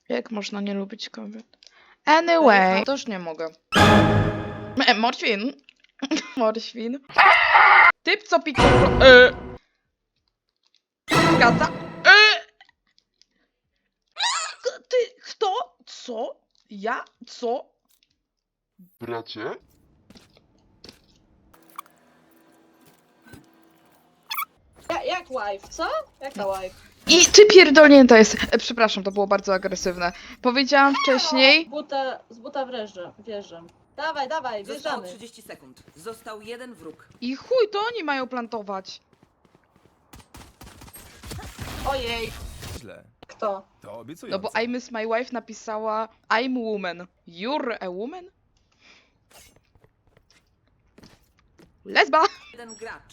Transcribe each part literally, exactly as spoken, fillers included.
Jak można nie lubić kobiet? Anyway, to już nie mogę. E, Morświn. Morświn. Typ, co pikał... E. Zgadza? E. Ty, kto? Co? Ja? Co? Bracie? Ja, jak wife, co? Jaka wife? I ty pierdolnięta jest. E, przepraszam, to było bardzo agresywne. Powiedziałam wcześniej... Z buta, z buta wjeżdżam, wjeżdżam. Dawaj, dawaj, Zostało wjeżdżamy. trzydzieści sekund. Został jeden wróg. I chuj, to oni mają plantować. Ojej, Źle. kto? To No obiecujące. bo I Miss My Wife napisała I'm woman. You're a woman? Lesba! Jeden gracz.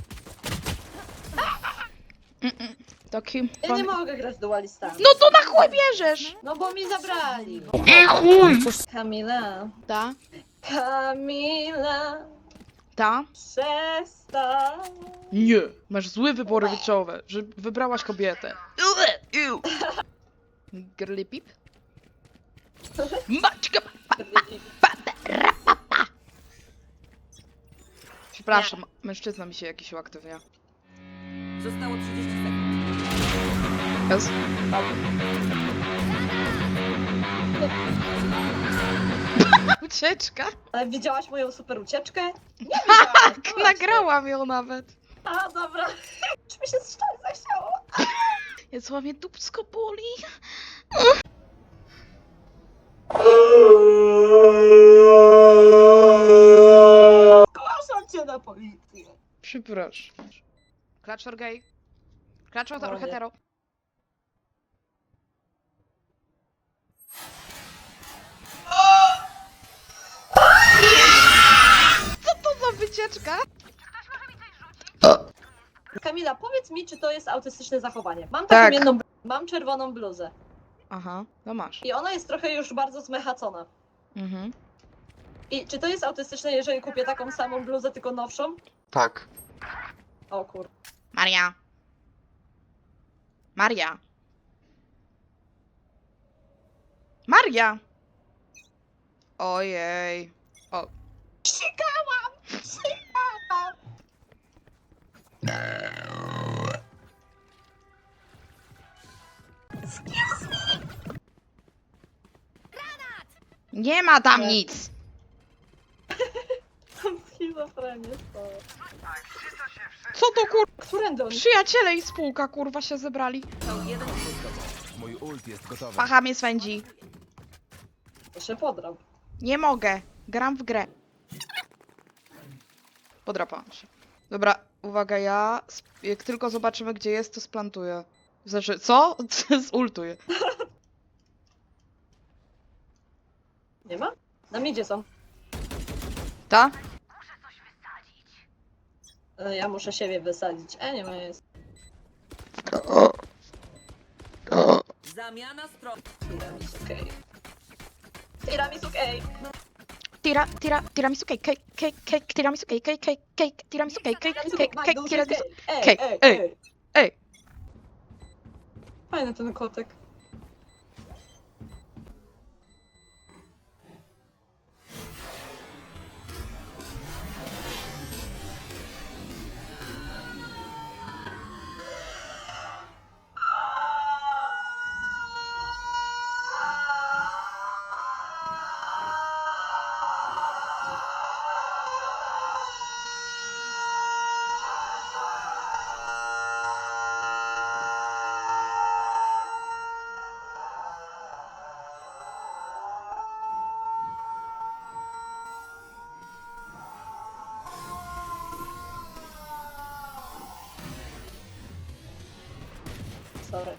Taki... Ja nie mogę grać dualistami. No to na chuj bierzesz! No bo mi zabrali. I chuj! Kamila, Ta, Kamila, ta. przestań. Nie, masz złe wybory życiowe, że wybrałaś kobietę. Ue, iu. Girly pip? Maczka! Przepraszam, mężczyzna mi się jakiś uaktywnia. Zostało trzydzieści sekund. Jest? Ucieczka? Ale widziałaś moją super ucieczkę? Nie widziałam. Tak, nagrałam ją nawet. A, dobra. Czy mi się strzelić zachciało? Jest mnie dupsko boli. Zgłaszam cię na policję. Przepraszam. Klaczor gay. Klaczor O nie. hetero. Co to za wycieczka? Kamila, powiedz mi, czy to jest autystyczne zachowanie. Mam taką Tak. jedną, bl- mam czerwoną bluzę Aha, no masz. i ona jest trochę już bardzo zmechacona. Mhm. I czy to jest autystyczne, jeżeli kupię taką samą bluzę, tylko nowszą? Tak. O kur... Maria. Maria. Maria. Ojej. O. Sikałam! Sikałam! Nie ma tam Nie. nic. Schizofrenię, to... Co to kur... Którędy oni? Przyjaciele i spółka kurwa się zebrali. Został jeden wróg. Mój ult jest gotowy. Pacha mnie swędzi. To się podrał. Nie mogę. Gram w grę. Podrapałam się. Dobra, uwaga, ja sp- jak tylko zobaczymy gdzie jest, to splantuję. Znaczy, co? Zultuję. Nie ma? Na midzie są. Ta? E, Ja muszę siebie wysadzić. E, nie ma jest. Zamiana stron. Tiramisu, okej. Tiramisu, okej. Tira, tira, tiramisu cake, cake, cake, cake, tiramisu cake, cake, cake, cake, tiramisu cake, cake, Tiramisu, cake, my cake, duży tiramisu... cake. Ej, cake. ej, Ej, ej. ej. Fajny ten kotek. Sorry.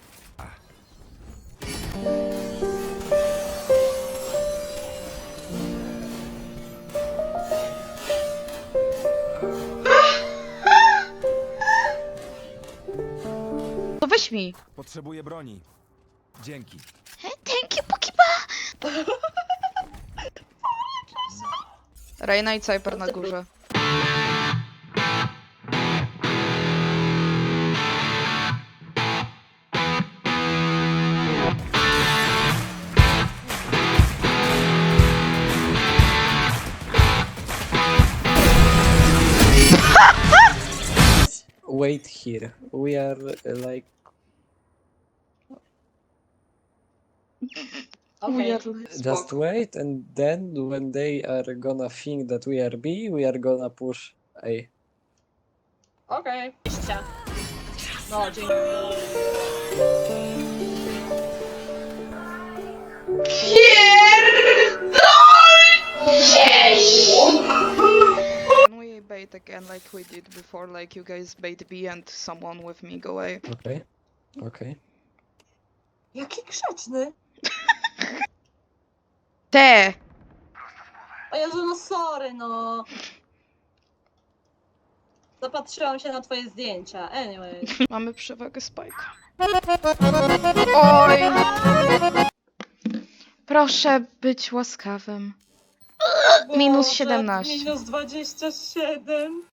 To weź mi. Potrzebuję broni. Dzięki. Thank you, Pokiba. Reina i Cyper na górze. wait here. We are uh, like Okej. Weird. just Spoko. wait, and then when they are gonna think that we are B, we are gonna push A. Okej. Okay. No, dzięki. Can we bait again like we did before, like you guys bait B and someone with me go A? Okay. Okay. Jaki grzeczny. Te! O Jezu, no sorry, no. Zapatrzyłam się na twoje zdjęcia. Anyway. Mamy przewagę Spike. Oj! Proszę być łaskawym. Minus Boże, siedemnaście. Minus dwadzieścia siedem.